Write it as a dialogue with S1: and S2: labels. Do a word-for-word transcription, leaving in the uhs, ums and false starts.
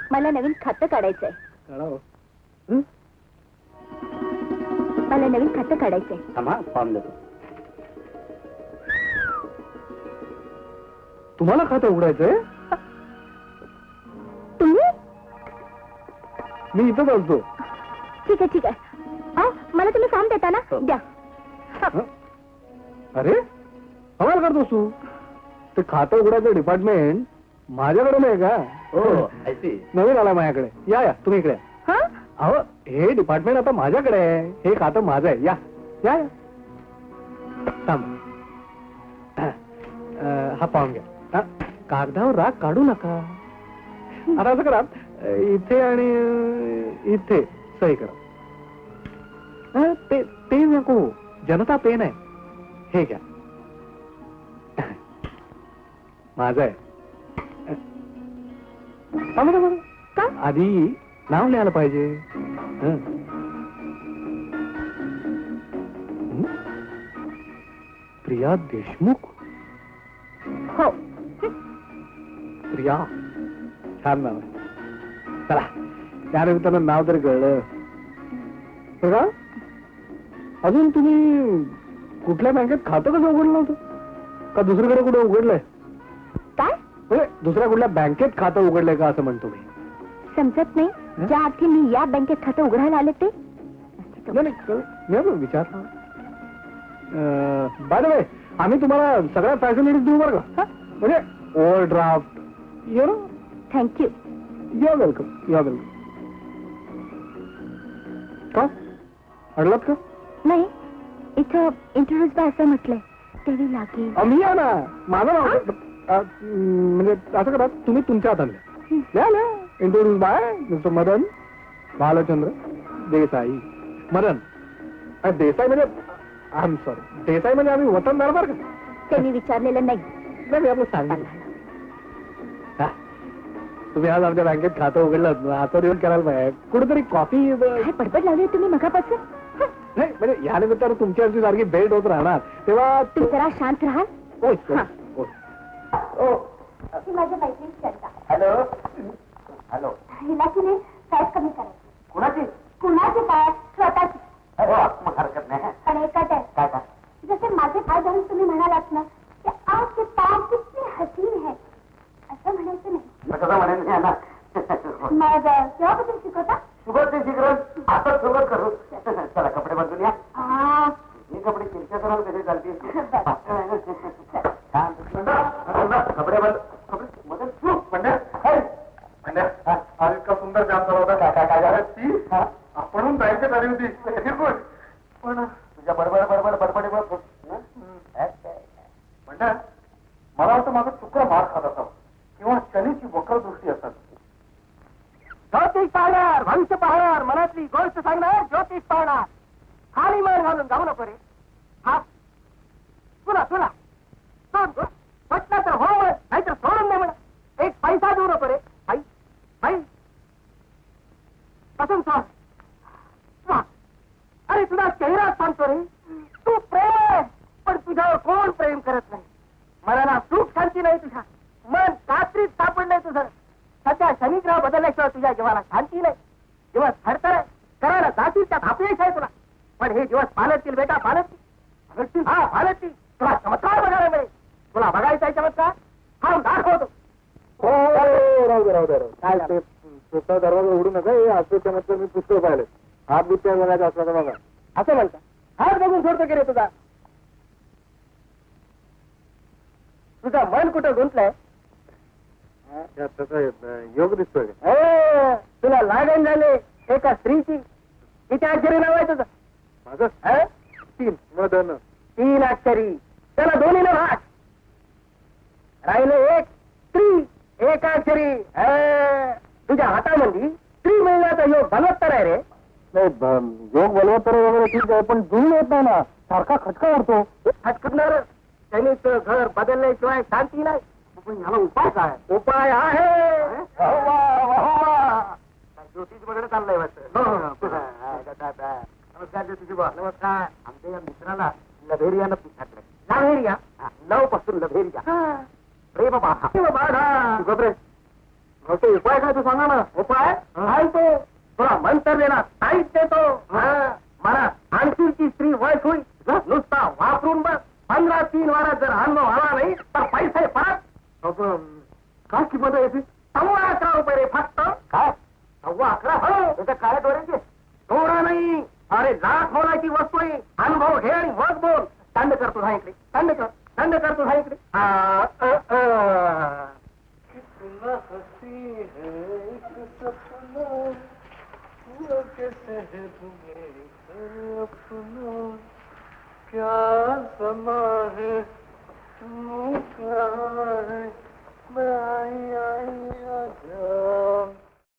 S1: मला नवीन खातं काढायचंय.
S2: काढावं.
S1: मला नवीन खातं काढायचंय.
S2: थांबा, फॉर्म देतो. तुम्हाला खातं उघडायचंय?
S1: तुम्ही?
S2: मी इथंच असतो.
S1: ठीक आहे ठीक आहे. अहो, मला तुम्ही फॉर्म देता ना? द्या.
S2: हं? अरे कमाल करतोस तू. ते खातं उघडायचं डिपार्टमेंट माझ्याकडे नाही का? हो, नवीन आला माझ्याकडे. या या तुम्ही इकडे.
S1: हा?
S2: अहो, हे डिपार्टमेंट आता माझ्याकडे आहे. हे खातं माझं आहे. या या या. थांब. अं, हा फॉर्म घ्या. हा, कागदावर राग काढू नका. आता असं करा, इथे आणि इथे सही करा. अं, ते ते नको, जनता पेन आहे. हे घ्या, माझं आहे. थांबा बरं.
S1: का?
S2: आधी नाव लिहायला पाहिजे. हं. हं? प्रिया देशमुख.
S1: हो.
S2: प्रिया, छान नाव आहे. चला, त्या निमित्तानं नाव तरी कळलं. बघा, अजून तुम्ही कुठल्या बँकेत खातं कसं उघडलं नव्हतं? का दुसरीकडे कुठे उघडलंय?
S1: काय?
S2: म्हणजे दुसऱ्या कुठल्या बँकेत खातं उघडलंय का असं म्हणतो मी.
S1: समजत नाही. ज्या अर्थी मी या बँकेत खातं उघडायला आले ते
S2: विचार. बाय द वे, आम्ही तुम्हाला सगळ्या फॅसिलिटीज देऊ बरं का. म्हणजे overdraft, you know.
S1: Thank you.
S2: You are welcome. You are welcome. का अडलात का?
S1: नाही, इथं इंट्रोड्यूस बाय असं म्हटलंय. तेही लागेल.
S2: मी या ना, माझं नाव अ, म्हणजे असं करा, तुम्ही तुमच्या हाताने लिहा लिहा. Introduce by mister Madan Bhalchandra Desai. Madan अ, देसाई म्हणजे आय एम सॉरी, देसाई म्हणजे आम्ही वतनदार बरं का.
S1: त्यांनी विचारलेलं नाही.
S2: नाही, मी आपलं सांगितलं. हा, तुम्ही आज आमच्या बँकेत खातं उघडलं, आता दिवस करायला पाहिजे. कुठेतरी कॉफी
S1: काय बडबड लावली तुम्ही मगापासून?
S2: नाही, म्हणजे या निमित्तानं तुमची आमची सारखी भेट होत राहणार, तेव्हा
S1: तुम्ही जरा शांत राहाल.
S2: होय.
S1: ती माझ्या मैत्रीण चंदा.
S2: Hello hello.
S1: हिला की नाही फॅट कमी करायची.
S2: कुणाची?
S1: कुणाची काय? स्वतःची.
S2: मग हरकत नाही.
S1: पण एकच आहे.
S2: काय काय?
S1: जसे माझे पाय धरून तुम्ही म्हणालात ना की आपके पैर कितने हसीन है, असं म्हणायचं नाही.
S2: कसं म्हणेन ना.
S1: मग केव्हापासून शिकवता?
S2: सुरुवात ते शिकरण, आता सुरुवात करू. चला कपडे बदलून या.
S1: आ,
S2: मी कपडे किरच्या कराल कसे चालतील.
S1: बरं.
S2: कपडे बदल. कपडे बदल. पंड्या पंड्या, आज इतका सुंदर जाम झाला होता. काय काय काय झालं? ती आपण बँकेत आली होती. पण तुझ्या बडबड बडबड बडबडीमुळे म्हणता मला वाटतं माझं चुकला मार खात असावं किंवा शनीची वक्र दृष्टी असतात.
S3: ज्योतिष पाहणार, भविष्य पाहणार, मनातली गोष्ट सांगणार, ज्योतिष पाहणार. खाली मान घालून जाऊ नको रे. हा तुला तुला सोड म्हटलं तर हो म्हण, नाहीतर सोडून दे म्हण. एक पैसा देऊ नको रे. बाई बाई पसंत सांग. वा, अरे तुझा चेहरा सांगतो रे. तू प्रेम, पण तुझ्यावर कोण प्रेम करत नाही. मनाला सुख शांती नाही तुझ्या. मन कात्रीत सापडलंय तुझं. सध्या शनिग्रह बदलल्याशिवाय तुझ्या जीवाला शांती नाही. दिवस थरथर करायला जातील त्यात अपयश आहे तुला. पण हे दिवस पालटतील बेटा, पालटतील. हा पालटतील. तुला चमत्कार बघायला मिळेल. तुला बघायचा आहे चमत्कार? हा दाखवतो.
S2: हो राहू दे राहू दे. काय ते पुस्तक दरवाजा उघडू नका. हे असं चमत्कार मी पुस्तक पाहिले. हात बित्या बघायचा असला तर बघा.
S3: असं म्हणता. हात बघून सोडतो की रे तुझा. तुझा मन कुठं गुंतलंय?
S2: योग दिसतोय.
S3: तुला लागण झाले एका स्त्रीची. किती अक्षरी नाव आहे तुझं?
S2: माझं तीन मदन.
S3: तीन अक्षरी. त्याला दोन्ही ना भाग. राहिले एक स्त्री एका अक्षरी. तुझ्या हातामध्ये स्त्री मिळण्याचा योग बलवत्तर आहे रे.
S2: योग बलवत्तर वगैरे ठीक आहे, पण जुळून येत नाही ना. सारखा खटका उडतो.
S3: खटकणार. त्यांनीच घर बदलल्याशिवाय शांती नाही.
S2: पण ह्याला उपाय काय?
S3: उपाय आहे.
S2: ज्योतिष वगैरे चाललंय वाटतं. नमस्कार ज्योतिषीबा.
S3: नमस्कार.
S2: आमच्या या मित्राला लभेरियानं पिछाटलंय.
S3: लव्हेरिया. लव पासून लव्हेरिया.
S2: प्रेम बाधा.
S3: प्रेम बाधा.
S2: गबरे,
S3: मग तो उपाय काय तू सांगा ना. उपाय काय तो तुला मंतरलेला साईट देतो. मला आणखीची स्त्री वयस होईल नुसता वापरून बस. पंधरा तीन वारात जर अनुभव आला नाही तर पैसे परत. काय किंमत आहे सव्वा अकरा रुपये रे फक्त. काय सव्वा अकरा हो त्याच्या काय डोळ्याचे डोळा नाही. अरे लाख मोलाची वस्तू आहे. अनुभव घे आणि मग बोल. थंड कर तुझा इकडे. थंड कर थंड कर तुझा इकडे. कितना हसी है एक सपना वो कैसे है तुम्हें अपना क्या समा